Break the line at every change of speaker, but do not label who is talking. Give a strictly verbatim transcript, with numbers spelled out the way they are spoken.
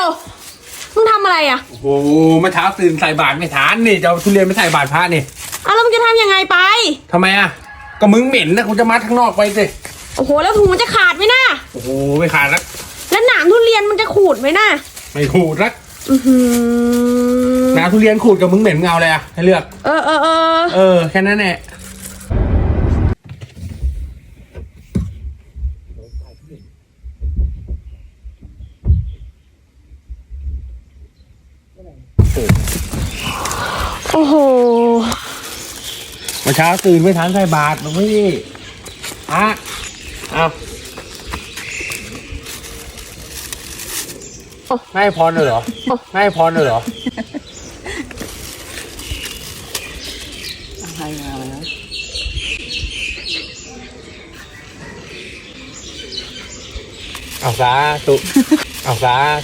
ยวมึงทำอะไรอ่ะ
โอ้โหเมื่อเช้าตื่นใส่บาตรไม่ทานนี่จะเอาทุเรียนไปใส่บาตรพระนี่
อ้าวแล้วมึงจะทำยังไงไป
ทำไมอ่ะก็มึงเหม็นนะกูจะมัดข้างนอกไปสิ
โอ้โหแล้วถุงมันจะขาดไหมนะ
โอ้โหไม่ขาดรัก
แล้วหนามทุเรียนมันจะขูดไหมนะ
ไม่ขูดรัก
อือหือ
หนามทุเรียนขูดกับมึงเหม็นเงาเลยอ่ะให้เลือก
เออเออเออ
เออแค่นั้นแหละ
โอ้โห
เมื่อเช้าตื่นไม่ทันใส่บาตรหลวงพี่อ่ะเอาไม่ให้พรเลยเหรอไม่ให้พรเลยเหรอ
อะไรมาแล้ว
เอาสาธุเอาสา